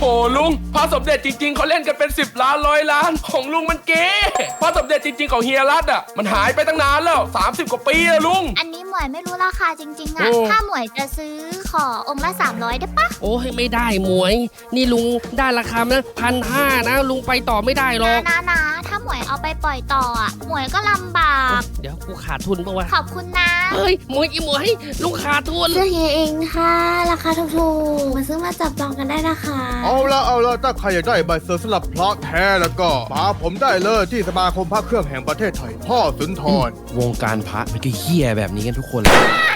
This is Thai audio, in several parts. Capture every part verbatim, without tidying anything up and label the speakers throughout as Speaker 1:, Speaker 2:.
Speaker 1: โหลุงพระสมเด็จจริงๆเขาเล่นกันเป็นสิบล้านร้อยล้านของลุงมันเก๋พระสมเด็จจริงๆของเฮียรัตอ่ะมันหายไปตั้งนานแล้วสามสิบกว่าปีแล้วลุง
Speaker 2: อันนี้หมวยไม่รู้ราคาจริงๆอะถ้าหมวยจะซื้อขอองค์ละสามร้อยได้ปะ
Speaker 3: โอ้ยไม่ได้หมวยนี่ลุงได้ราคานะพันห้านะลุงไปต่อไม่ได้หรอก
Speaker 2: นะนะถ้าหมวยเอาไปปล่อยต่ออะหมวยก็ลำบาก
Speaker 3: เดี๋ยวกูขาดทุนปะวะ
Speaker 2: ขอบคุณนะ
Speaker 3: เฮ้ยหมวยอีหมวยลุงขาดทุน
Speaker 4: เสื้อเฮียเองค่ะราคาถูกๆมาซื้อมาจับจองกันได้นะคะ
Speaker 5: เอาละเอาละถ้าใครอยากได้ใบเซอร์สำหรับพระแท้แล้วก็มาผมได้เลยที่สมาคมพระเครื่องแห่งประเทศไทยพ่อสุนทร
Speaker 6: วงการพระมันก็เหี้ยแบบนี้กันทุกคนเลย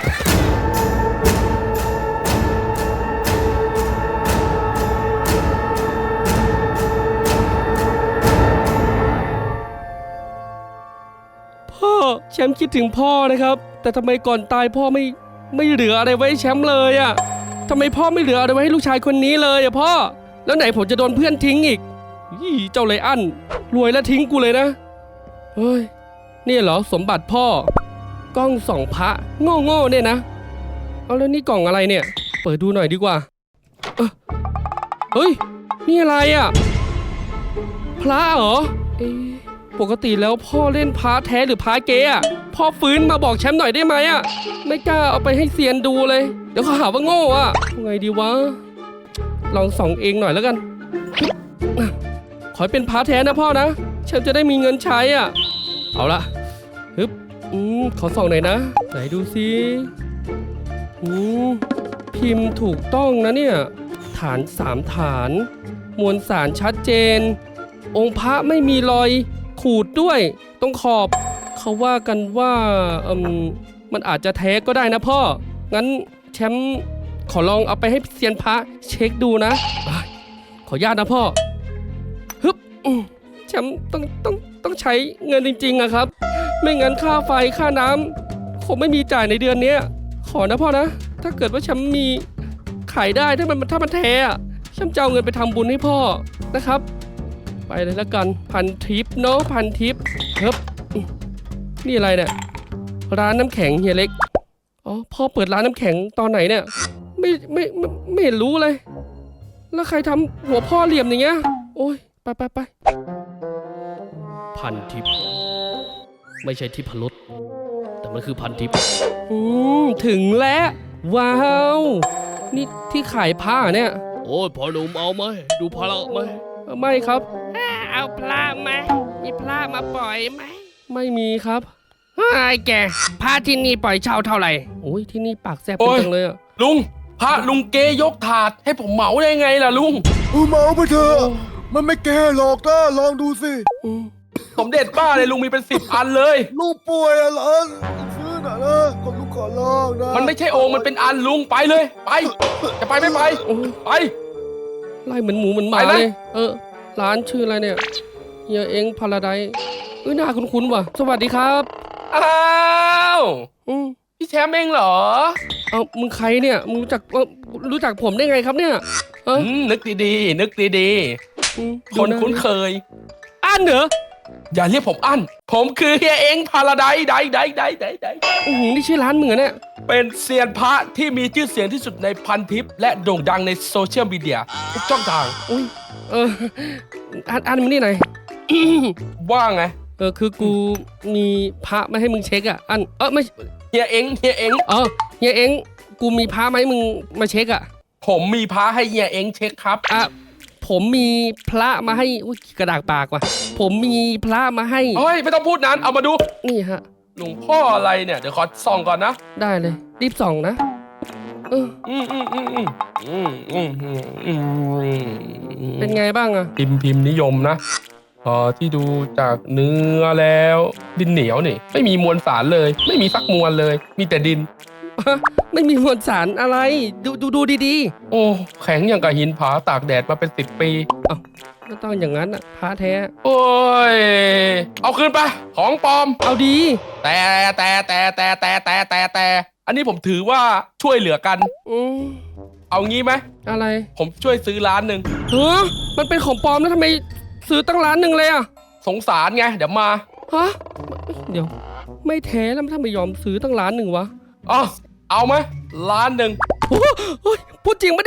Speaker 3: พ่อแชมป์คิดถึงพ่อนะครับแต่ทำไมก่อนตายพ่อไม่ไม่เหลืออะไรไว้แชมป์เลยอะทำไมพ่อไม่เหลืออะไรไว้ให้ลูกชายคนนี้เลยอะพ่อแล้วไหนผมจะโดนเพื่อนทิ้งอีกยี่เจ้าไรอันรวยแล้วทิ้งกูเลยนะเฮ้ยนี่เหรอสมบัติพ่อกล้องส่องพระโง่โง่เนี่ยนะเอาแล้วนี่กล่องอะไรเนี่ยเปิดดูหน่อยดีกว่าเออเฮ้ยนี่อะไรอะพระเหรอเอ๊ะปกติแล้วพ่อเล่นพระแท้หรือพระเก๊อะพ่อฟื้นมาบอกแชมป์หน่อยได้ไหมอะไม่กล้าเอาไปให้เซียนดูเลยเดี๋ยวเขาหาว่าโง่อะไงดีวะลองส่องเองหน่อยแล้วกันขอให้เป็นพระแท้นะพ่อนะฉันจะได้มีเงินใช้อ่ะเอาละฮึบอืมขอส่องหน่อยนะไหนดูซิอืมพิมพ์ถูกต้องนะเนี่ยฐานสามฐานมวลสารชัดเจนองค์พระไม่มีรอยขูดด้วยตรงขอบเขาว่ากันว่าอืมมันอาจจะแท้ก็ได้นะพ่องั้นแชมป์ขอลองเอาไปให้เซียนพระเช็คดูนะขออนุญาตนะพ่อฮึบแชมป์ต้องต้องต้องใช้เงินจริงๆอะครับไม่งั้นค่าไฟค่าน้ำคงไม่มีจ่ายในเดือนนี้ขอนะพ่อนะถ้าเกิดว่าแชมป์มีขายได้ถ้ามันถ้ามันแท้อะแชมป์จะเอาเงินไปทำบุญให้พ่อนะครับไปเลยแล้วกันพันทิปเนาะพันทิปฮึบนี่อะไรเนี่ยร้านน้ำแข็งเฮียเล็กอ๋อพ่อเปิดร้านน้ำแข็งตอนไหนเนี่ยไม่ไม่ไม่ไม่เห็นรู้เลยแล้วใครทำหัวพ่อเหลี่ยมอย่างเงี้ยโอ้ยไปไปไปพันทิปไม่ใช่ทิพรสแต่มันคือพันทิปอืมถึงแล้วว้าวนี่ที่ขายผ้าเนี่ยโอ้ยพ่อหนุ่มเอาไหมดูพระไหมไม่ครับเอาพระไหมมีพระมาปล่อยไหมไม่มีครับไอ้แกพระที่นี่ปล่อยเช่าเท่าไหร่โอ้ยที่นี่ปากแซ่บจังเลยอะ
Speaker 1: ลุงพระลุงเกยกถาดให้ผมเหมาได้ไงล่ะลุง
Speaker 5: เหมาไปเถอะมันไม่แก่หรอกนะลองดูสิ
Speaker 1: สมเด็จบ้าเลยลุงมีเป็นสิบอันเลย
Speaker 5: ลูกป่วยอะไรซื้อหน่อยนะก็ลูกขอลองนะ
Speaker 1: มันไม่ใช่องค์มันเป็นอันลุงไปเลยไปจะไปไม่ไปไป
Speaker 3: ไล่เหมือนหมูเหมือนหมาเลยเออร้านชื่ออะไรเนี่ยเฮียเอ็งพาราไดซ์เอ้ยหน้าคุ้นๆว่ะสวัสดีครับ
Speaker 1: อ้าว
Speaker 3: อืม
Speaker 1: พี่แชมป์เองเหรอ
Speaker 3: เอามึงใครเนี่ยมึงรู้จักรู้จักผมได้ไงครับเนี่ย
Speaker 1: เออนึกดีๆนึกดีๆคนคุ้นเคย
Speaker 3: อันเหรอ
Speaker 1: อย่าเรียกผมอันผมคือเฮียเองพาราไดซ์ได้ได้ได้ได้ได้
Speaker 3: อือนี่ชื่อร้านมึงเหรอเนี่ย
Speaker 1: เป็นเซียนพระที่มีชื่อเสียงที่สุดในพันทิปและโด่งดังในโซเชียลมีเดียทุกช่องทาง
Speaker 3: อุ้ยเอออันอันมึงนี่ไหน
Speaker 1: ว่าไง
Speaker 3: เออคือกูมีพระมาให้มึงเช็คอ่ะอันเออไม่
Speaker 1: เฮียเอ็งเฮียเอ็ง
Speaker 3: เออเฮียเอ็งกูมีพระมาให้มึงมาเช็คอ่ะ
Speaker 1: ผมมีพระให้เฮียเอ็งเช็คครับ
Speaker 3: อ่ะผมมีพระมาให้อุ้ยกระดากปากว่ะผมมีพระมาให้
Speaker 1: เฮ้ยไม่ต้องพูดนั้นเอามาดู
Speaker 3: นี่ฮะ
Speaker 1: หลวงพ่ออะไรเนี่ยเดี๋ยวขอส่องก่อนนะ
Speaker 3: ได้เลยรีบส่องนะเออ
Speaker 1: อืมอืมอืมอืมอืมอืมอื
Speaker 3: มเป็นไงบ้างอะ
Speaker 1: พิมพ์พิมพ์นิยมนะพอที่ดูจากเนื้อแล้วดินเหนียวนี่ไม่มีมวลสารเลยไม่มีสักมวลเลยมีแต่ดิน
Speaker 3: ไม่มีมวลสารอะไรดูดูดูดี
Speaker 1: ๆโอ้แข็งอย่างกับหินผาตากแดดมาเป็นสิบปี
Speaker 3: เอ้าไม่ต้องอย่างนั้นอะพระแท้
Speaker 1: โอ้ยเอาคืนไปของปลอม
Speaker 3: เอาดี
Speaker 1: แต่แต่แต่แต่แต่แต่แต่แต่อันนี้ผมถือว่าช่วยเหลือกัน
Speaker 3: อืม
Speaker 1: เอางี้ไหม
Speaker 3: อะไร
Speaker 1: ผมช่วยซื้อร้านหนึ่ง
Speaker 3: เฮ้อมันเป็นของปลอมแล้วทำไมซื้อตั้งร้านหนึ่งเลยอะ
Speaker 1: สงสารไงเดี๋ยวมา
Speaker 3: ฮะเดี๋ยวไม่แท้แล้วทำไมยอมซื้อตั้งร้านหนึ่งวะ
Speaker 1: อ๋อเอาไหมล้านหนึ่ง
Speaker 3: พูดจริงปะเนี่ย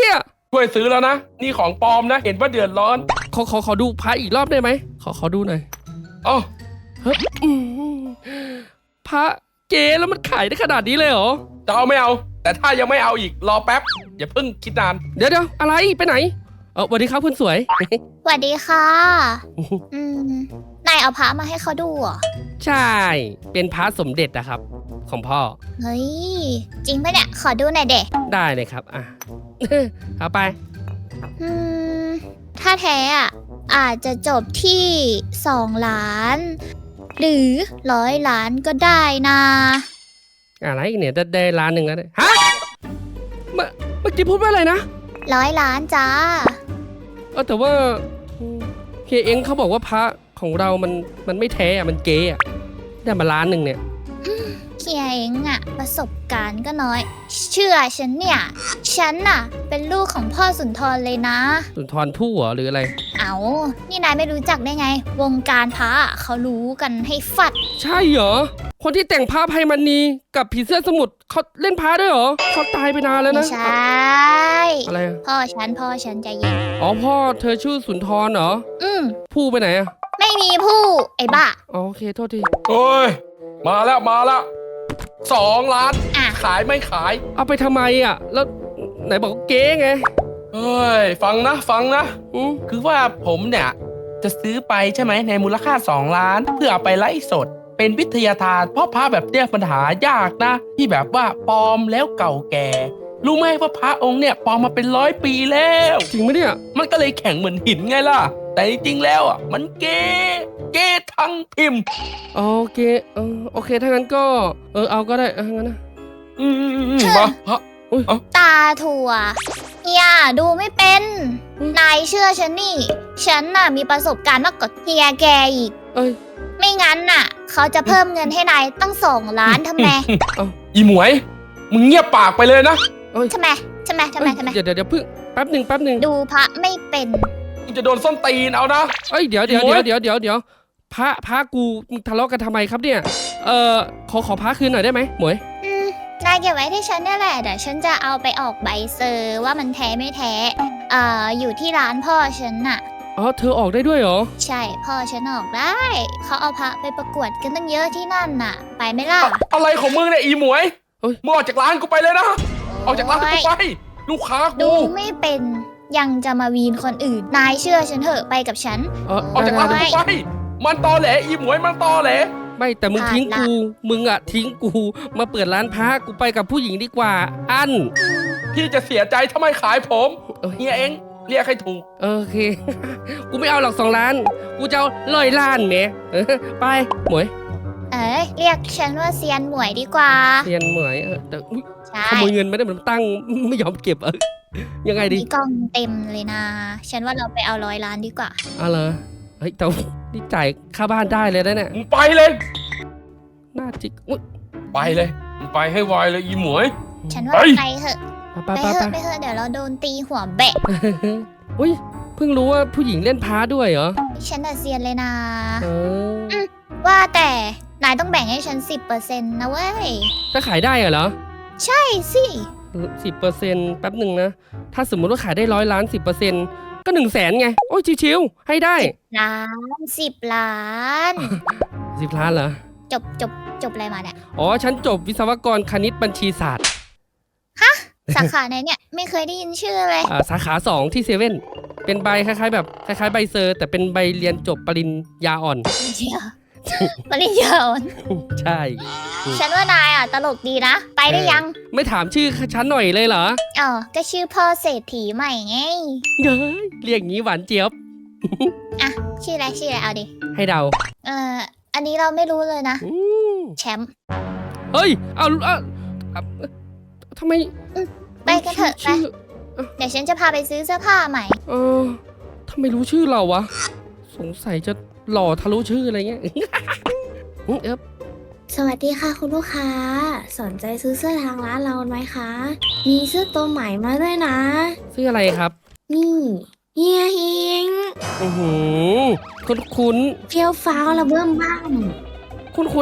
Speaker 1: ช่วยซื้อแล้วนะ นี่ของปลอมนะ เห็นว่าเดือดร้อน
Speaker 3: ขอขอขอดูพระอีกรอบได้ไหมขอขอดูหน่อย
Speaker 1: เอ้า
Speaker 3: เฮ้ยอืมพระเก๋แล้วมันขายได้ขนาดนี้เลยเหรอ
Speaker 1: จะเอาไม่เอา แต่ถ้ายังไม่เอาอีกรอแป๊บ อย่าเพิ่งคิดนาน
Speaker 3: เดี๋ยวเดี๋ยวอะไรไปไหนเออสวัสดีครับคุณสวย
Speaker 2: สวัสดีค่ะ อืม นายเอาพระมาให้เขาดูเหรอ
Speaker 3: ใช่ เป็นพระสมเด็จนะครับ ของพ่อ
Speaker 2: เฮ้ย จริงปะเนี่ย ขอดูหน่อยเด็
Speaker 3: ได้เลยครับ อ่ะ เอาไป
Speaker 2: อืม ถ้าแท้อ่ะ อาจจะจบที่สองล้าน หรือร้อยล้านก็ได้นะ
Speaker 3: อะไรอีกเนี่ยได้ได้ล้านหนึ่งแล้วเนี่ยฮะเมื่อเมื่อกี้พูดว่าอะไรนะ
Speaker 2: ร้อยล้านจ้า
Speaker 3: เออแต่ว่าอืมเฮียเอ็งเขาบอกว่าพระของเรามันมันไม่แท้อะมันเก๊อะได้มาล้านหนึ่งเนี่ย
Speaker 2: เคียเองอะประสบการณ์ก็น้อย เชื่อฉันเนี่ย ฉันน่ะ เป็นลูกของพ่อสุนทรเลยนะ
Speaker 3: สุนทรภู่เหรอหรืออะไร
Speaker 2: เอานี่นายไม่รู้จักได้ไง วงการพระอะเขารู้กันให้ฟัด
Speaker 3: ใช่เหรอ คนที่แต่งพระไพมณีกับผีเสื้อสมุทรเขาเล่นพระด้วยเหรอเขาตายไปนานแล้ว
Speaker 2: ไม่
Speaker 3: นะ
Speaker 2: ใช่
Speaker 3: อะไรอะ
Speaker 2: พ่อฉันพ่อฉันใจเย็น
Speaker 3: อ๋อพ่อเธอชื่อสุนทรเหรอ
Speaker 2: อืม
Speaker 3: ผู้ไปไหนอะ
Speaker 2: ไม่มีผู้ไอ้บ้า
Speaker 3: อ๋อโอเคโทษที
Speaker 1: โอ้ย มาแล้วมาแล้วสองล้าน
Speaker 2: อ่ะ
Speaker 1: ขายไม่ขาย
Speaker 3: เอาไปทำไมอะแล้วไหนบอกว่าเก๊ไง
Speaker 1: เฮ้ย ฟังนะ ฟังนะ
Speaker 3: อืม
Speaker 1: คือว่าผมเนี่ย จะซื้อไปใช่ไหมในมูลค่าสองล้าน เพื่อเอาไปไลฟ์สด เป็นวิทยาทานเพราะพระแบบเนี้ยปัญหายากนะ ที่แบบว่าปลอมแล้วเก่าแก่ รู้ไหมว่าพระองค์เนี่ยปลอมมาเป็นร้อยปีแล้ว
Speaker 3: จริงไหมเนี่ย
Speaker 1: มันก็เลยแข็งเหมือนหินไงล่ะ แต่จริงๆแล้วอ่ะมันเก๋เก๋ทั้งพิมพ์
Speaker 3: โอเคเออโอเคถ้างั้นก็เออเอาก็ได้เอองั้นนะ
Speaker 1: อืมมาพระ
Speaker 2: ตาถั่วเฮียดูไม่เป็น นายเชื่อฉันนี่ ฉันน่ะมีประสบการณ์มากกว่าเฮียแกอีก
Speaker 3: เอ้ย
Speaker 2: ไม่งั้นน่ะ เขาจะเพิ่มเงินให้นายตั้งสองล้านทำไม
Speaker 1: อีหมวย มึงเงียบปากไปเลยนะ
Speaker 2: ทำไมทำไมทำไมทำไม
Speaker 3: เดี๋ยวเดี๋ยวเดี๋ยวเพิ่งแป๊บหนึ่งแป๊บหนึ่ง
Speaker 2: ดูพระไม่เป็น
Speaker 1: มึงจะโดนส้นตีนเอานะ
Speaker 3: เอ้ยเดี๋ยวเดี๋ยว
Speaker 1: โอ๊
Speaker 3: เดี๋ยวย เดี๋ยวเดี๋ยวเดี๋ยวพระพระกูมึงทะเลาะกันทำไมครับเนี่ยเออขอขอพระคืนหน่อยได้ไหมหมวย
Speaker 2: อืม นายเก็บไว้ที่ฉันเนี่ยแหละเดี๋ยวฉันจะเอาไปออกใบเซอร์ว่ามันแท้ไม่แท้เอ่ออยู่ที่ร้านพ่อฉันน่ะ
Speaker 3: อ๋อเธอออกได้ด้วยเหรอ
Speaker 2: ใช่พ่อฉันออกได้ เขาเอาพระไปประกวดกันตั้งเยอะที่นั่นน่ะ ไปไหมล่ะ
Speaker 1: อะไรของมึงเนี่ยอีหมวย
Speaker 3: เอ้ย
Speaker 1: มึงออกจากร้านกูไปเลยนะ ออกจากร้านกูไป ลูกค้า
Speaker 2: ดู
Speaker 1: กู
Speaker 2: ไม่เป็นยังจะมาวีนคนอื่น นายเชื่อฉันเถอะไปกับฉัน
Speaker 3: เออ
Speaker 1: ออกจากร้าน
Speaker 2: โอ๊
Speaker 1: กู
Speaker 2: ย
Speaker 1: ไป มันตอแหลอีหมวยมันตอแหล
Speaker 3: ไม่แต่มึง
Speaker 2: ขาด
Speaker 3: ทิ้ง
Speaker 2: ละ
Speaker 3: กูมึงอะทิ้งกูมาเปิดร้านพระกูไปกับผู้หญิงดีกว่า อัน
Speaker 1: พี่จะเสียใจถ้าไม่ขายผม
Speaker 3: เอ้ย
Speaker 1: เฮียเองเรียกให้ถูก
Speaker 3: โอเค กูไม่เอาหรอกสองล้าน กูจะเอาร้อยล้านแหมเออไปหมวย
Speaker 2: เอ้ยเรียกฉันว่าเซียนหมวยดีกว่า
Speaker 3: เรียนหมวยเออแต่อุ๊ย
Speaker 2: ใช่
Speaker 3: ขโมยเงินไม่ได้มันตั้งไม่ยอมเก็บเออยังไงดี
Speaker 2: มีกล้องเต็มเลยนะ ฉันว่าเราไปเอาร้อยล้านดีกว่า
Speaker 3: เอาเลยเฮ้ยแต่ว่านี่จ่ายค่าบ้านได้เลยนะเนี่ย
Speaker 1: มึงไปเลย
Speaker 3: น่าจิกอุ๊ย
Speaker 1: ไปเลย มึงไปให้ไวเลยอีหมวย
Speaker 2: ฉันว่า
Speaker 1: เฮ้ย
Speaker 2: ไปเถอะ
Speaker 3: ไป
Speaker 2: ไป
Speaker 3: ไป
Speaker 2: เถ
Speaker 3: ไป
Speaker 2: อะไปเถอะเดี๋ยวเราโดนตีหัวแบะ
Speaker 3: อุ้ยเพิ่งรู้ว่าผู้หญิงเล่นพาด้วยเหรอ
Speaker 2: ฉันน่ะเซียนเลยนะ
Speaker 3: เออ
Speaker 2: ว่าแต่นายต้องแบ่งให้ฉันสิบเปอร์เซ็นต์นะเว้ย
Speaker 3: ถ้าขายได้เหรอ
Speaker 2: ใช่สิ
Speaker 3: สิบเปอร์เซ็นต์แป๊บหนึ่งนะ ถ้าสมมุติว่าขายได้ร้อยล้านสิบเปอร์เซ็นต์ก็หนึ่งแสนไง โอ้ยชิวๆให้ได้
Speaker 2: ล้านสิบล้าน
Speaker 3: สิบล้านเหรอ
Speaker 2: จบจบจบอะไรมาเนี่ย
Speaker 3: อ๋อ ฉันจบวิศวกรคณิตบัญชีศาสตร์
Speaker 2: สาขาไหนเนี่ย ไม่เคยได้ยินชื่อเลย
Speaker 3: อ่าสาขาสองที่เซเว่นเป็นใบคล้ายๆ แบบคล้ายๆใบเซอร์ แต่เป็นใบเรียนจบปริญญาอ่อน
Speaker 2: เชียวปริญญาอ่อน
Speaker 3: ใช่
Speaker 2: ฉันว่านายอ่ะตลกดีนะ ไปได้ยัง
Speaker 3: ไม่ถามชื่อฉันหน่อยเลยเหรอ
Speaker 2: อ๋อก็ชื่อพ่อเศรษฐีใหม่ไง
Speaker 3: เย้ยเรียกงี้หวานเจี๊ยบ
Speaker 2: อ่ะ ชื่ออะไรชื่ออะไรเอาดิ
Speaker 3: ให้เดา
Speaker 2: เอ่อ อันนี้เราไม่รู้เลยนะ
Speaker 3: อืม
Speaker 2: แชมป์
Speaker 3: เฮ้ย เอาเอาเอาทำไม
Speaker 2: ไปกันเถอะไป
Speaker 3: ชื่อ
Speaker 2: เดี๋ยวฉันจะพาไปซื้อเสื้อผ้าใหม่
Speaker 3: เออทำไมรู้ชื่อเราวะ สงสัยจะหล่อทะลุชื่ออะไรเงี้ย เอ๊บ
Speaker 4: สวัสดีค่ะคุณลูกค้า สนใจซื้อเสื้อทางร้านเราไหมคะ มีเสื้อตัวใหม่มาด้วยนะ
Speaker 3: ชื่ออะไรครับ
Speaker 4: นี่เฮียฮิง
Speaker 3: อือหือคุ้นคุ้น
Speaker 4: เฟี้ยวฟ้าวระเบื้องบ้าง
Speaker 3: คุ้นคุ้นๆอะ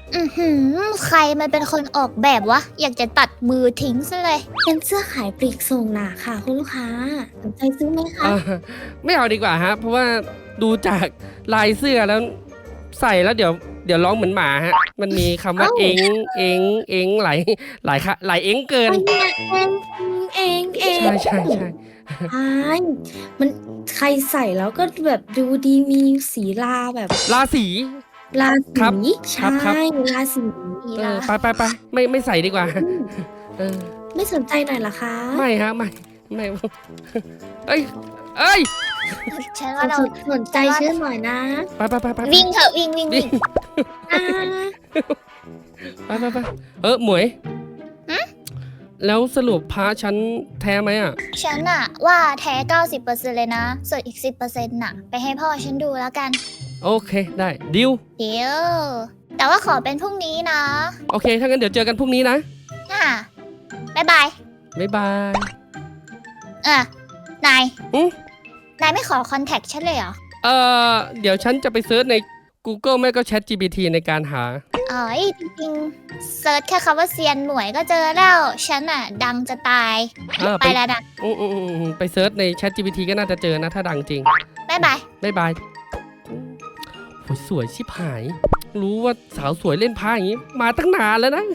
Speaker 2: อือหือใครมันเป็นคนออกแบบวะ อยากจะตัดมือทิ้งซะเลย
Speaker 4: เป็นเสื้อขายปลีกส่งน่ะค่ะ คุณลูกค้าสนใจซื้อไหมคะ
Speaker 3: อ่าไม่เอาดีกว่าฮะ เพราะว่าดูจากลายเสื้อแล้วใส่แล้วเดี๋ยวเดี๋ยวร้องเหมือนหมาฮะ มันมีคำว่า
Speaker 4: เอ้า
Speaker 3: เอ็งเอ็งเอ็งหลายหลายค่ะหลายเอ็งเกิน
Speaker 4: อันเนี้ยเองเองเอง
Speaker 3: ใช่ใช่ใช่
Speaker 4: ใช่มันใครใส่แล้วก็แบบดูดีมีสีลาแบบ
Speaker 3: ราศี
Speaker 4: ลา
Speaker 3: ครับ
Speaker 4: สี
Speaker 3: ค
Speaker 4: ใช่
Speaker 3: รับครับ
Speaker 4: ลาสี
Speaker 3: เออไปไปไปไม่ไม่ใส่ดีกว่าเออ
Speaker 4: ไม่สนใจหน่อยเหรอคะ
Speaker 3: ไม่ฮะไม่ไม่เอ้ยเอ้ย
Speaker 2: ฉันว่าเรา
Speaker 4: สนใจชื่อหน่อยนะ
Speaker 3: ไปไปไปไป
Speaker 2: วิ่งเถอะวิ่งวิ่งวิ่ง
Speaker 4: อ่า
Speaker 3: ไปไปไปเออหมวย
Speaker 2: หึ
Speaker 3: แล้วสรุปพระฉันแท้ไหมอ่ะ
Speaker 2: ฉันอะว่าแท้ เก้าสิบเปอร์เซ็นต์ เลยนะ ส่วนอีก สิบเปอร์เซ็นต์ น่ะ ไปให้พ่อฉันดูแล้วกัน
Speaker 3: โอเคได้ดิว
Speaker 2: เดี๋ยว แต่ว่าขอเป็นพรุ่งนี้นะ
Speaker 3: โอเคถ้างั้นเดี๋ยวเจอกันพรุ่งนี้นะ
Speaker 2: อ่ะบ๊ายบาย
Speaker 3: บ๊ายบาย
Speaker 2: เออ นาย
Speaker 3: อืม
Speaker 2: นายไม่ขอคอนแทคฉันเลยเหรอ
Speaker 3: เออเดี๋ยวฉันจะไปเซิร์ชใน Google ไม่ก็ Chat จี พี ที ในการหา
Speaker 2: อ๋อจริงๆเซิร์ชแค่คำว่าเซียนหมวยก็เจอแล้ว ฉันอะดังจะตาย
Speaker 3: เออ
Speaker 2: ไป
Speaker 3: ไป
Speaker 2: แล้วนะ
Speaker 3: อืมอืมอืมอืมไปเซิร์ชใน Chat จี พี ที ก็น่าจะเจอนะถ้าดังจริง
Speaker 2: บ๊ายบาย
Speaker 3: บ๊ายบายอืมโหสวยชิบหาย รู้ว่าสาวสวยเล่นพระอย่างนี้ มาตั้งนานแล้วนะ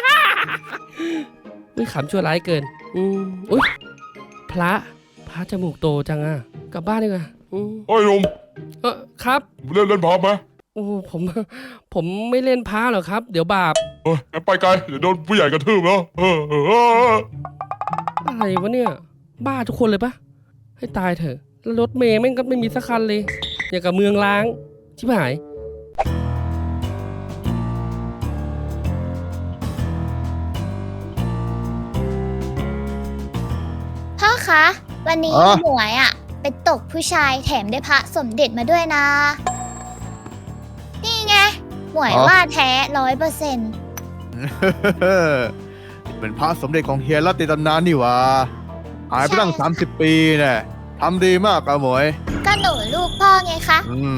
Speaker 3: อุ้ยขำชั่วร้ายเกิน อืมอุ้ยพระพระจมูกโตจังอ่ะ กลับบ้านดีกว่าอืม
Speaker 7: เฮ้ยหนุ่ม
Speaker 3: เออครับ
Speaker 7: เล่นเล่นพร้อมไหม
Speaker 3: โอ้ผม ผมไม่เล่นพระหรอกครับ เดี๋ยวบาป
Speaker 7: เฮ้ยงั้นไปไกลเดี๋ยวโดนผู้ใหญ่กระทืบแล้วเออเออเออ
Speaker 3: อะไรวะเนี่ย บ้าทุกคนเลยปะให้ตายเถอะแล้วรถเมย์แม่งก็ไม่มีสักคันเลย อย่างกับเมืองล้าง ชิบหาย
Speaker 2: พ่อคะ วันนี้
Speaker 5: อ๋อ
Speaker 2: หมวยอะไปตกผู้ชายแถมได้พระสมเด็จมาด้วยนะ นี่ไง หมวยว่าแท้ร้อยเปอร์เซ็นต์
Speaker 5: เป็นพระสมเด็จของเฮียรัตติตำนานนี่หว่าหายไปตั้งสามสิบปีเนี่ยทำดีมากอะหมวย
Speaker 2: ก็หนูลูกพ่อไงคะ
Speaker 5: อืม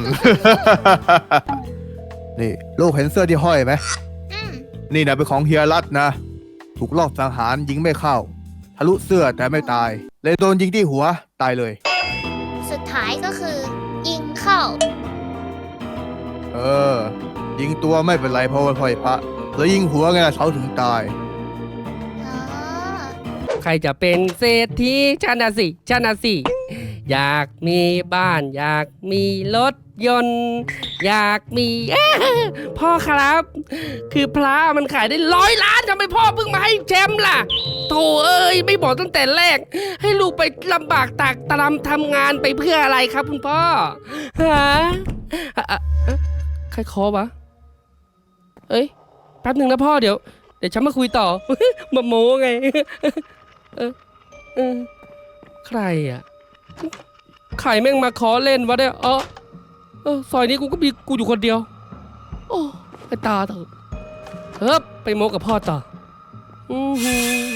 Speaker 5: นี่ลูกเห็นเสื้อที่ห้อยไหม
Speaker 2: อืม
Speaker 5: นี่นะเป็นของเฮียรัตนะ ถูกลอบสังหารยิงไม่เข้า ทะลุเสื้อแต่ไม่ตาย เลยโดนยิงที่หัวตายเลย
Speaker 2: สุดท้ายก็คือ ยิงเข้า
Speaker 5: เออ ยิงตัวไม่เป็นไรเพราะว่าพ่อยพระแล้วยิงหัวไงล่ะเขาถึงตาย
Speaker 2: อ๋อ
Speaker 3: ใครจะเป็นเศรษฐีชนะสิชนะสิ อยากมีบ้านอยากมีรถยนต์ อยากมี เอ้อพ่อครับ คือพระมันขายได้ร้อยล้านทำไมพ่อเพิ่งมาให้แชมป์ล่ะโธ่เอ้ย ไม่บอกตั้งแต่แรก ให้ลูกไปลำบากตากตรำทำงานไปเพื่ออะไรครับคุณพ่อฮะอ่ะอ่ะอ่ะใครเคอวะ เอ้ย แป๊บหนึ่งนะพ่อเดี๋ยว เดี๋ยวฉันมาคุยต่อ มาโม้ไง เออเออใครอ่ะ ใครแม่งมาขอเล่นวะเนี่ยเออเออซอยนี้กูก็มีกูอยู่คนเดียว โอ้ไปตาเถอะเฮ้ยไปโม้กับพ่อต่ออือหือ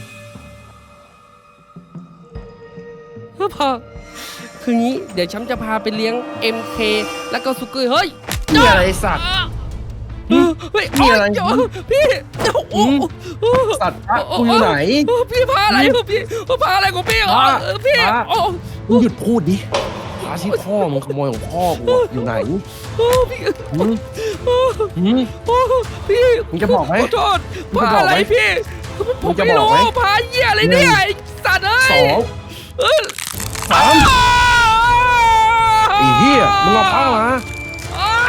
Speaker 3: เฮ้ยพ่อ คืองี้ เดี๋ยวฉันจะพาไปเลี้ยง เอ็ม เค แล้วก็สุกี้เฮ้ย
Speaker 6: นี่อะไรสัตว์
Speaker 3: เออเฮ้ย
Speaker 6: มีอะไร
Speaker 3: โยเดี๋ยวพี่เดี๋ยวโอ้
Speaker 6: อืม
Speaker 3: โอ้
Speaker 6: สัตว์พระกูอยู่ไหน
Speaker 3: โอ้พี่พาอะไรของพี่พาอะไรของพี่เหรอ
Speaker 6: พา
Speaker 3: เออพี่
Speaker 6: พา
Speaker 3: โอ้
Speaker 6: มึงหยุดพูดดิพระที่พ่อมึงขโมยของพ่อกูอะอยู่ไหน
Speaker 3: โอ้พี่
Speaker 6: หืมหืม
Speaker 3: โอ้พี่
Speaker 6: มึงจะบอกไหม
Speaker 3: ขอโทษ
Speaker 6: มึง
Speaker 3: พา
Speaker 6: จะบอก
Speaker 3: อะไร
Speaker 6: ไหม
Speaker 3: พี่ผ
Speaker 6: มึ
Speaker 3: ม
Speaker 6: งจะ
Speaker 3: ไม่
Speaker 6: บอก
Speaker 3: รู้
Speaker 6: ไหม
Speaker 3: พาเหี้ยอะไรเนี่ยไอ้สัตว์เอ้ย
Speaker 6: สอง
Speaker 3: เออ
Speaker 6: สามไอ้เหี้ยมึงเอาผ้ามา
Speaker 3: อ้า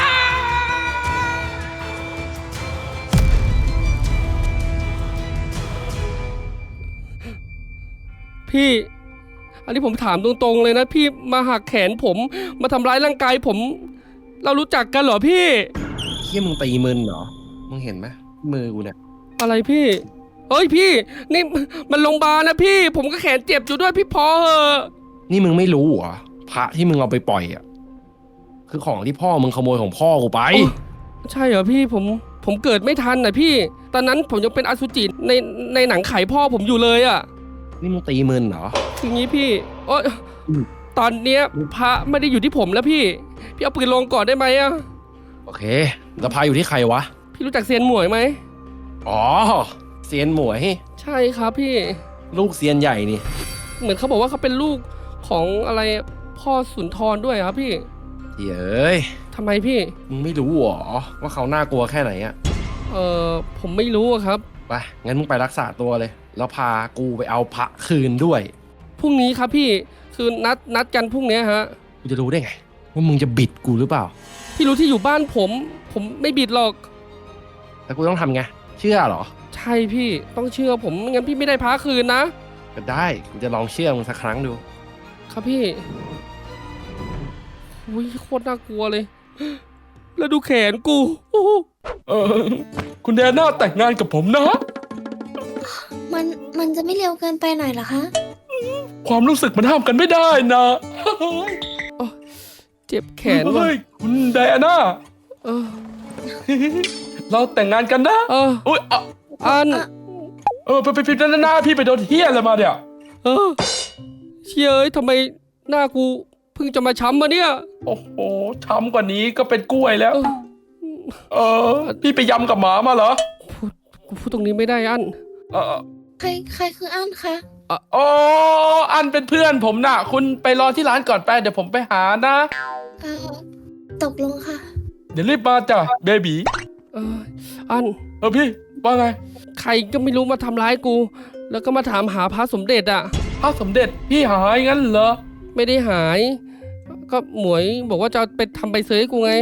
Speaker 3: พี่ อันนี้ผมถามตรงๆเลยนะ พี่มาหักแขนผมมาทำร้ายร่างกายผม เรารู้จักกันเหรอพี่
Speaker 6: เหี้ยมึงตีมึนเหรอ มึงเห็นไหมมือกูเนี่ย
Speaker 3: อะไรพี่ เฮ้ยพี่ นี่มันโรงพยาบาลนะพี่ ผมก็แขนเจ็บอยู่ด้วยพี่พอเหอะ
Speaker 6: นี่มึงไม่รู้เหรอพระที่มึงเอาไปปล่อยอ่ะ คือของที่พ่อมึงขโมยของพ่อกูไป
Speaker 3: โอ้ ใช่เหรอพี่ผมผมเกิดไม่ทันนะพี่ ตอนนั้นผมยังเป็นอสุจิในในหนังไข่พ่อผมอยู่เลยอะ่ะ
Speaker 6: นี่มึงตีมึนเหรอ
Speaker 3: ทีนี้พี่โอ้ย
Speaker 6: อืม
Speaker 3: ตอนเนี้ยพระไม่ได้อยู่ที่ผมแล้วพี่ พี่เอาปืนลงก่อนได้ไหมอะ่ะ
Speaker 6: โอเคแล้วพาอยู่ที่ใครวะ
Speaker 3: พี่พี่รู้จักเซียนหมวยไหม
Speaker 6: อ๋อเซียนหมวย
Speaker 3: ใช่ครับพี่
Speaker 6: ลูกเซียนใหญ่นี่
Speaker 3: เหมือนเขาบอกว่าเขาเป็นลูกของอะไรพ่อสุนทรด้วยครับพี่
Speaker 6: เย้ย
Speaker 3: ทำไมพี่
Speaker 6: มึงไม่รู้หรอว่าเขาน่ากลัวแค่ไหนอะ
Speaker 3: เออผมไม่รู้อะครับ
Speaker 6: ไปงั้นมึงไปรักษาตัวเลย แล้วพากูไปเอาพระคืนด้วย
Speaker 3: พรุ่งนี้ครับพี่คือนัดนัดกันพรุ่งนี้ฮะ
Speaker 6: กูจะรู้ได้ไงว่ามึงจะบิดกูหรือเปล่า
Speaker 3: พี่รู้ที่อยู่บ้านผม ผมไม่บิดหรอก
Speaker 6: แล้วกูต้องทำไงเชื่อเหรอ
Speaker 3: ใช่พี่ต้องเชื่อผมไม่งั้นพี่ไม่ได้พาคืนนะ
Speaker 6: ก็ได้กูจะลองเชื่อมึงสักครั้งดู
Speaker 3: ครับพี่อุ้ยโคตรน่ากลัวเลย แล้วดูแขนกูโอ้โห
Speaker 1: เออ คุณแดน่าแต่งงานกับผมนะ
Speaker 4: มันมันจะไม่เร็วเกินไปหน่อยเหรอคะ
Speaker 1: ความรู้สึกมันห้ามกันไม่ได้นะ
Speaker 3: เจ็บแขนว่ะ
Speaker 1: เฮ้ยคุณแดน่า
Speaker 3: เออ
Speaker 1: เราแต่งงานกันนะ
Speaker 3: เออ
Speaker 1: อุ้ยอ่ะ
Speaker 3: อัน
Speaker 1: เออไปไปไปด้านหน้าพี่ไปโดนเฮี้ยอะไรมาเนี่ย
Speaker 3: เออเชี่ยเอ้ยทำไมหน้ากูเพิ่งจะมาช้ำมาเนี่ย
Speaker 1: โอ้โหช้ำกว่านี้ก็เป็นกล้วยแล้ว
Speaker 3: เออ
Speaker 1: เออ พี่ไปยำกับหมามาเหรอ
Speaker 3: พูดกูพูดตรงนี้ไม่ได้อัน
Speaker 1: เออ
Speaker 4: ใครใครคืออั้นคะ
Speaker 1: อ๋ออันเป็นเพื่อนผมน่ะ คุณไปรอที่ร้านก่อนไปเดี๋ยวผมไปหานะ
Speaker 4: เออตกลงค่ะ
Speaker 1: เดี๋ยวรีบมาจ้ะเบบี
Speaker 3: เอออัน
Speaker 1: เออพี่ว่าไง
Speaker 3: ใครก็ไม่รู้มาทำร้ายกู แล้วก็มาถามหาพระสมเด็จอ่ะ
Speaker 1: พระสมเด็จพี่หายงั้นเหรอ
Speaker 3: ไม่ได้หาย ก็หมวยบอกว่าจะเอาไปทำใบเซยให้กูไง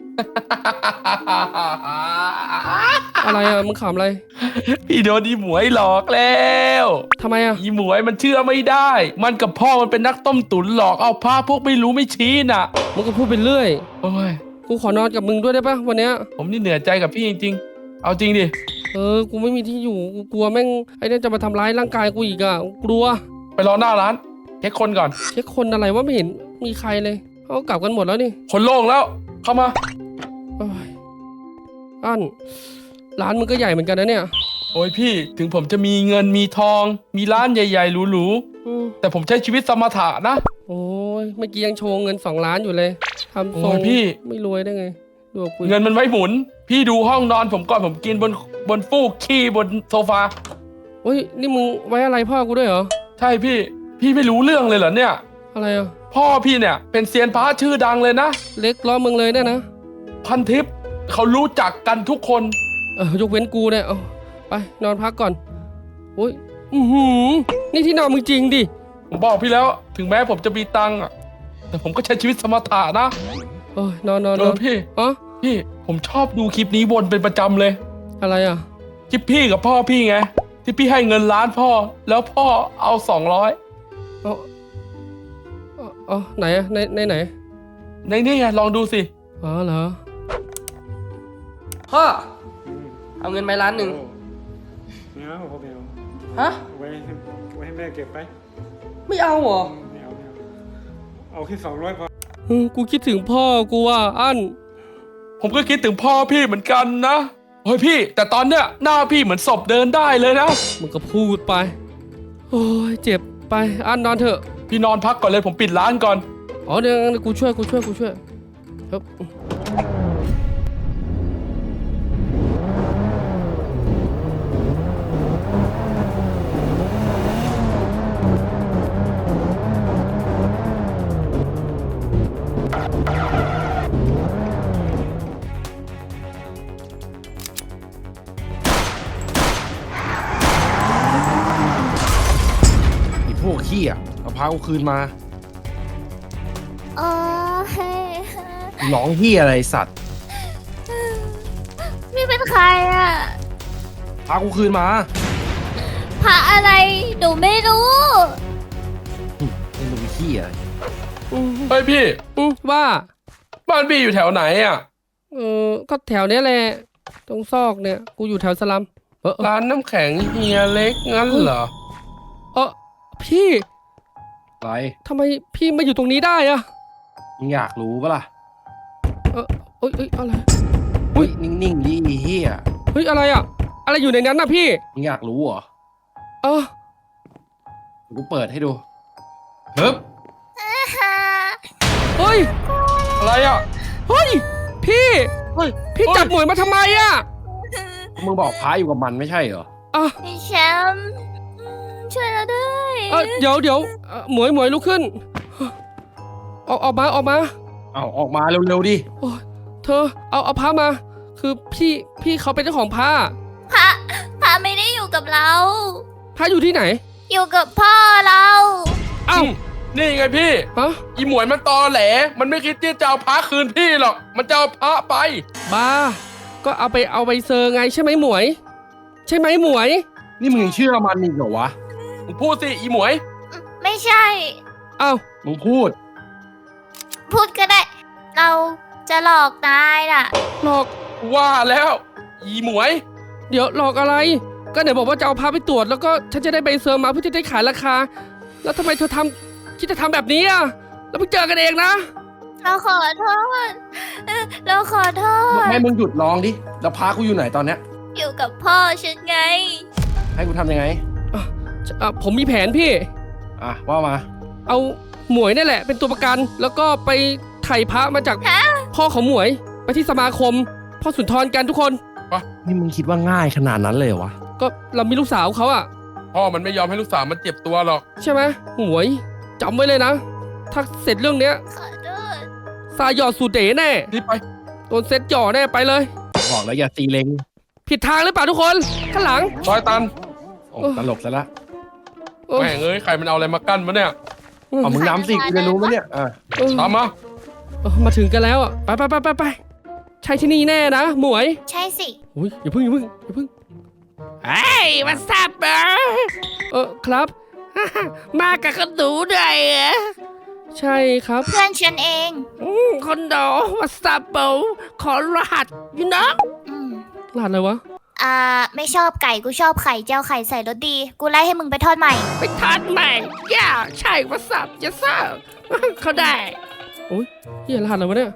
Speaker 3: อะไรอ่ะมึงขำอะไร
Speaker 1: พี่โดนอีหมวยหลอกแล้ว
Speaker 3: ทำไมอ่ะ
Speaker 1: อีหมวยมันเชื่อไม่ได้ มันกับพ่อมันเป็นนักต้มตุ๋นหลอกเอาพระพวกไม่รู้ไม่ชี้น่ะ
Speaker 3: มึงก็พูดไปเรื่อย
Speaker 1: โอ้ย
Speaker 3: กูขอนอนกับมึงด้วยได้ปะวันเนี้ย
Speaker 1: ผมนี่เหนื่อยใจกับพี่จริงๆ เอาจริงดิ
Speaker 3: เออ กูไม่มีที่อยู่ กูกลัวแม่งไอ้เนี่ยจะมาทำร้ายร่างกายกูอีกอ่ะกูกลัว
Speaker 1: ไปรอหน้าร้านเช็คคนก่อน
Speaker 3: เช็คคนอะไรว่าไม่เห็นมีใครเลยเขากลับกันหมดแล้วนี่
Speaker 1: คนโล่งแล้ว เข้ามา
Speaker 3: โอ้ยอันร้านมึงก็ใหญ่เหมือนกันนะเนี่ย
Speaker 1: โอ้ยพี่ถึงผมจะมีเงินมีทอง มีร้านใหญ่ๆหรู
Speaker 3: อืม
Speaker 1: ๆแต่ผมใช้ชีวิตสมถะนะ
Speaker 3: โอ้ยเมื่อกี้ยังโชว์เงินสองล้านอยู่เลยทำทรง
Speaker 1: โอ้ยพี่
Speaker 3: ไม่รวยได้ไงดูกับกู
Speaker 1: เงินมันไว้หมุน พี่ดูห้องนอนผมก่อนผมกินบนบนฟูกขี้บนโซฟา
Speaker 3: โอ้ยนี่มึงไว้อะไรพ่อกูด้วยเหรอ
Speaker 1: ใช่พี่ พี่ไม่รู้เรื่องเลยเหรอเนี่ย
Speaker 3: อะไรอ่ะ
Speaker 1: พ่อพี่เนี่ยเป็นเซียนพระชื่อดังเลยนะ
Speaker 3: เล็กล้อมึงเลยเนี่ยนะ
Speaker 1: พันทิพย์เขารู้จักกันทุกคน
Speaker 3: เออยกเว้นกูเนี่ยเอาไปนอนพักก่อนโอ้ยอือหือนี่ที่นอนมึงจริงดิ
Speaker 1: ผมบอกพี่แล้วถึงแม้ผมจะมีตังค์อะแต่ผมก็ใช้ชีวิตสมถะนะ
Speaker 3: เออนอนนอน
Speaker 1: เอน
Speaker 3: อ
Speaker 1: อน พี่
Speaker 3: อ๋อ
Speaker 1: พี่ผมชอบดูคลิปนี้วนเป็นประจำเลย
Speaker 3: อะไรอ่ะ
Speaker 1: คลิปพี่กับพ่อพี่ไง ที่พี่ให้เงินล้านพ่อ แล้วพ่อเอาสองร้อย
Speaker 3: เอาเอาเอาไหนอะในในไหน
Speaker 1: ในนี่ไงลองดูสิ
Speaker 3: อ๋อเหรอ พ่อ เอาเงินไปล้านหนึ่ง
Speaker 8: ไม่เอาพ่อไม่เอา
Speaker 3: ฮะ
Speaker 8: เอาไว้ให้ไว้ให้แม่เก็บไป
Speaker 3: ไม่เอาเหรอ
Speaker 8: ไม่เอาไม่เอาเอาแค่สองร้อยพอ
Speaker 3: อืมกูคิดถึงพ่อกูอ่ะอัน
Speaker 1: ผมก็คิดถึงพ่อพี่เหมือนกันนะเฮ้ยพี่ แต่ตอนเนี้ยหน้าพี่เหมือนศพเดินได้เลยนะ
Speaker 3: มึงก็พูดไป โอ้ยเจ็บไปอันนอนเถอะ
Speaker 1: พี่นอนพักก่อนเลยผมปิดร้านก่อน
Speaker 3: อ๋อเดี๋ยวงั้นกูช่วยกูช่วยกูช่วยครับ
Speaker 6: ไอ้พวกขี้อ่ะเอาพากูคืนมา
Speaker 2: โอ้ย
Speaker 6: ร้องเฮียอะไรสัตว์
Speaker 2: นี่เป็นใครอ่ะ
Speaker 6: พากูคืนมา
Speaker 2: พระอะไร หนูไม่รู้
Speaker 6: ไอ้หนุ่มเฮีย
Speaker 3: อืม
Speaker 1: เฮ้ยพี่
Speaker 3: อืมว่า
Speaker 1: บ้านพี่อยู่แถวไหนอ่ะ
Speaker 3: เออก็แถวเนี้ยแหละตรงซอกเนี่ย กูอยู่แถวสลัมเออเออ
Speaker 1: ร้านน้ำแข็งเฮียเล็กงั้นเหรอ
Speaker 3: เออพี่
Speaker 6: อะไร
Speaker 3: ทำไมพี่มาอยู่ตรงนี้ได้อะ
Speaker 6: มึงอยากรู้ปะล่ะ
Speaker 3: เออเอ้ยเอ้ยอะไร
Speaker 6: เฮ้ยนิ่งๆดิไอ้เฮีย
Speaker 3: เฮ้ยอะไรอะอะไรอยู่ในนั้นน่ะพี่
Speaker 6: มึงอยากรู้เหรอ
Speaker 3: เออ
Speaker 6: เดี๋ยวกูเปิดให้ดูเฮ้ย
Speaker 3: เฮ้ย
Speaker 1: อะไรอ่ะ
Speaker 3: เฮ้ยพี่
Speaker 1: เฮ้ย
Speaker 3: พี่จับหมวยมาทำไมอะ
Speaker 6: มึงบอกพระอยู่กับมันไม่ใช่เหรอ
Speaker 3: อ่ะ
Speaker 2: พี่แชมป์ช่วยเราด้วย
Speaker 3: เอ่อเดี๋ยวเดี๋ยวเอ่อหมวยหมวยลุกขึ้นออกออกมาออกมา
Speaker 6: เอาออกมาเร็วๆดิ
Speaker 3: โอ้ยเธอเอาเอาพระมา คือพี่พี่เขาเป็นเจ้าของพระ
Speaker 2: พระพระไม่ได้อยู่กับเรา
Speaker 3: พระอยู่ที่ไหน
Speaker 2: อยู่กับพ่อเรา
Speaker 3: เอ้า
Speaker 1: นี่ไงพี่
Speaker 3: ฮะ
Speaker 1: อีหมวยมันตอแหล มันไม่คิดที่จะเอาพระคืนพี่หรอก มันจะเอาพระไป
Speaker 3: บ้า ก็เอาไปเอาไปเซอร์ไงใช่ไหมหมวย ใช่ไหมหมวย
Speaker 6: นี่มึงยังเชื่อมันอีกเหรอวะ
Speaker 1: มึงพูดสิอีหมวย
Speaker 2: ไม่ใช่
Speaker 3: เอ้า
Speaker 6: มึงพูด
Speaker 2: พูดก็ได้ เราจะหลอกนายน่ะ
Speaker 3: หลอก
Speaker 1: ว่าแล้ว อีหมวย
Speaker 3: เดี๋ยวหลอกอะไร ก็ไหนบอกว่าจะเอาพาไปตรวจแล้วก็ฉันจะได้ใบเซอร์มาเพื่อจะได้ขายราคา แล้วทำไมเธอทำคิดจะทำแบบนี้อ่ะ แล้วเพิ่งเจอกันเองนะ
Speaker 2: เราขอโทษเออเราขอโทษ
Speaker 6: ให้มึงหยุดร้องดิ แล้วพระกูอยู่ไหนตอนเนี้ย
Speaker 2: อยู่กับพ่อฉันไง
Speaker 6: ให้กูทำยังไง
Speaker 3: อ่ะอ่ะผมมีแผนพี่
Speaker 6: อ่ะว่ามา
Speaker 3: เอาหมวยนี่แหละ เป็นตัวประกัน แล้วก็ไปไถ่พระมาจากพ่อของหมวย ไปที่สมาคม พ่อสุนทรกันทุกคน
Speaker 6: นี่มึงคิดว่าง่ายขนาดนั้นเลยเหรอวะ
Speaker 3: ก็เรามีลูกสาวเขาอะ
Speaker 1: พ่อมันไม่ยอมให้ลูกสาวมันเจ็บตัวหรอก
Speaker 3: ใช่ไหมหมวยจำไว้เลยนะ ถ้าเสร็จเรื่องเนี้ย
Speaker 2: ขอโทษ
Speaker 3: ซาหยอดสูเด๋แน่
Speaker 1: นี่ไป
Speaker 3: โดนเซ็ตหย่อแน่ไปเลย
Speaker 6: บอกแล้วอย่าตีเล็ง
Speaker 3: ผิดทางหรือเปล่าทุกคนข้างหลัง
Speaker 1: ซอยตัน
Speaker 6: โอ้ตลกซะละ
Speaker 3: เออ
Speaker 1: แม่งเอ้ย ใครมันเอาอะไรมากั้นมาเนี่ย
Speaker 6: เอามึงน้ำสิกูจะรู้ไหมเนี่ยอ่ะ
Speaker 3: เออ
Speaker 1: ตามมา
Speaker 3: เออมาถึงกันแล้วอ่ะไปไปไปไปไปใช่ที่นี่แน่นะหมวย
Speaker 2: ใช่สิ
Speaker 3: อุ้ยอย่าเพึ่งอย่าเพึ่งอย่าเพึ่งเฮ้ยมาซับเบอร์เออครับ มากับคนดูด้วยเหรอใช่ครับ
Speaker 2: เพื่อนฉันเอง
Speaker 3: อืมคนดูมาซับเบอร์ขอรหัสอยู่นะ
Speaker 2: อืม
Speaker 3: รหัสอะไรวะ
Speaker 2: อ่า ไม่ชอบไก่ กูชอบไข่เจียวไข่ใส่รสดี กูไล่ให้มึงไปทอดใหม่
Speaker 3: ไปทานใหม่ย่าใช่มาซับจะซับเขาได้โอ้ยเฮียรหัสอะไรวะเนี่ย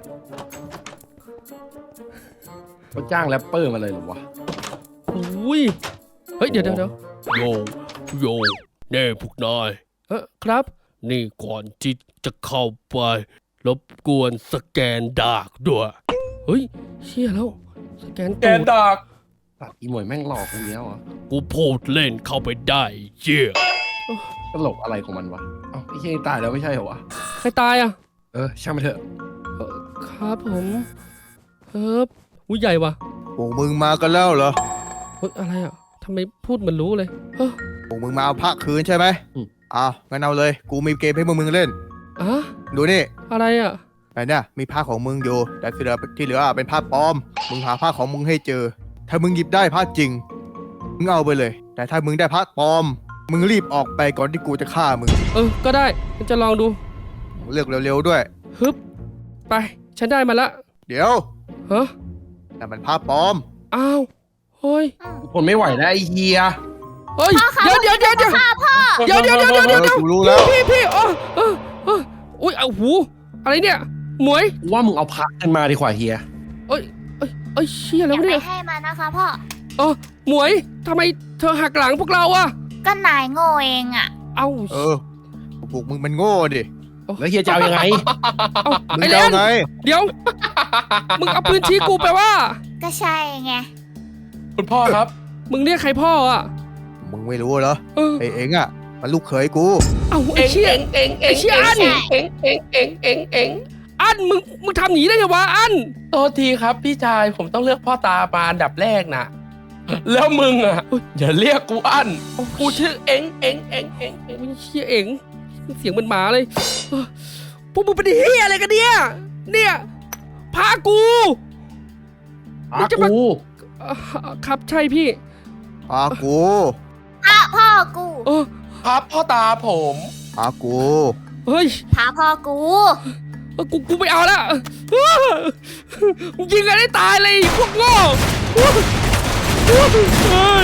Speaker 6: เขาจ้างแรปเปอร์มาเลยเหรอวะ
Speaker 3: อุ้ยเฮ้ยเดี๋ยวเดี๋ยวเดี๋ยว
Speaker 9: โยโยแน่พวกนาย
Speaker 3: เออครับ
Speaker 9: นี่ก่อนที่จะเข้าไป รบกวนสแกนดากด้วย
Speaker 3: เฮ้ยเชี่ยแล้วสแกน
Speaker 1: แก
Speaker 3: ตู
Speaker 1: น
Speaker 3: ด
Speaker 1: ดาก
Speaker 6: ตัดอีหมวยแม่งหลอกกูแล้วอ่ะ
Speaker 9: กูพูดเล่นเข้าไปได้เยี่ย
Speaker 6: ตลกอะไรของมันวะ เอ้าไอ้เหี้ยนี่ตายแล้วไม่ใช่เหรอวะ
Speaker 3: ใครตายอ่ะ
Speaker 6: เออช่างมันเถอะ
Speaker 3: เอ่อครับผมเอออุ้ยใหญ่ว่ะ
Speaker 5: พวกมึงมากันแล้วเหรอ
Speaker 3: เฮ้ยอะไรอ่ะทำไมพูดเหมือนรู้เลยเออ
Speaker 5: พวกมึงมาเอาพระคืนใช่ไหมอ้าวงั้นเอาเลย กูมีเกมให้พวกมึงเล่น
Speaker 3: อะ
Speaker 5: ดูนี่
Speaker 3: อะไรอ่ะ
Speaker 5: ไอ้เนี่ยมีผ้าของมึงอยู่ แต่ที่เหลือที่เหลือเป็นผ้าปลอม มึงหาผ้าของมึงให้เจอ ถ้ามึงหยิบได้ผ้าจริง มึงเอาไปเลย แต่ถ้ามึงได้ผ้าปลอม มึงรีบออกไปก่อนที่กูจะฆ่ามึง
Speaker 3: เออก็ได้ฉันจะลองดู
Speaker 5: เลือกเร็วๆด้วย
Speaker 3: ฮึบไปฉันได้มาละ
Speaker 5: เดี๋ยว
Speaker 3: ฮะ
Speaker 5: นั่นมันผ้าปลอม
Speaker 3: อ้าวเฮ้ย
Speaker 6: ทนไม่ไหวแล้วไอ้เฮีย
Speaker 3: เฮ้ยเดี๋ยวเดี๋ยวเดี๋ยวเดี๋ยวเดี๋ยวเดี๋ยวเดี๋ยวเดี๋ยว
Speaker 5: เอ
Speaker 3: เดี๋ยว
Speaker 5: อ
Speaker 3: เดี๋ยว
Speaker 5: กูรู้แล้ว
Speaker 3: พี่พี่เออเออเอออุ้ยเอาหูอะไรเนี่ยหมวย
Speaker 6: กูว่ามึงเอาพระขึ้นมาดีกว่าเฮีย
Speaker 3: เอ้ยเอ้ยเอ้ยเชี่ย
Speaker 2: อ
Speaker 3: แล้ว
Speaker 2: ย่าไป
Speaker 3: เนี่ย
Speaker 2: ให้มันนะคะพ่อ
Speaker 3: เออหมวยทำไมเธอหักหลังพวกเราอะ
Speaker 2: ก็นายโง่เองอ่ะ
Speaker 3: เอ้า
Speaker 5: เออ พวกมึงมันโง่ดิ
Speaker 6: แล้วเฮียจะเอายังไง
Speaker 3: เอ้า
Speaker 5: มึง
Speaker 3: ไอ้
Speaker 5: จะ
Speaker 3: เล่
Speaker 5: เอา
Speaker 3: น
Speaker 5: ไง
Speaker 3: เดี๋ยว มึงเอาปืนชี้กูไปว่า
Speaker 2: ก็ใช่ไง
Speaker 1: คุณพ่อครับ
Speaker 3: มึงเรียกใครพ่ออะ
Speaker 5: มึงไม่รู้เหรอ
Speaker 3: เออ
Speaker 5: ไอ้เอ็งอ่ะ มันลูกเขยกู
Speaker 3: เอ้าไอ้
Speaker 1: เอ็ง
Speaker 3: เชี่ย
Speaker 1: เอ็งเอ็งเอ็ง
Speaker 3: ไอ้เชี่ยอัน
Speaker 1: เอ็งเอ็งเอ็งเอ็งเอ็ง
Speaker 3: อันมึงมึงทำหนีได้ไงวะอัน
Speaker 1: โทษทีครับพี่ชายผมต้องเลือกพ่อตามาอันดับแรกนะแล้วมึงอ่ะอย่าเรียกกูอั้นกูชื่อเอ็งเอ็งเอ็งเอ็งเอ็ง
Speaker 3: โอ้ยเชี่ยเอ๋งเสียงเหมันหมาเลยเออพวกมึงเป็นเฮียอะไรกันเนี่ยเนี่ยพากู
Speaker 6: พระกู
Speaker 3: เอ่อครับใช่พี่
Speaker 5: พากู
Speaker 2: พ่อพ่อกู
Speaker 3: เออ
Speaker 1: ครับพ่อตาผม
Speaker 5: พากู
Speaker 3: เฮ้ย
Speaker 2: พาพ่อกู
Speaker 3: เออกูกูไม่เอาละเออมึงยิงกันได้ตายเลยพวกโง่เฮ้ย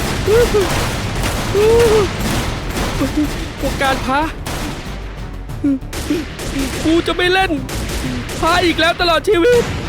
Speaker 3: พวกการพากูจะไม่เล่นพาอีกแล้วตลอดชีวิต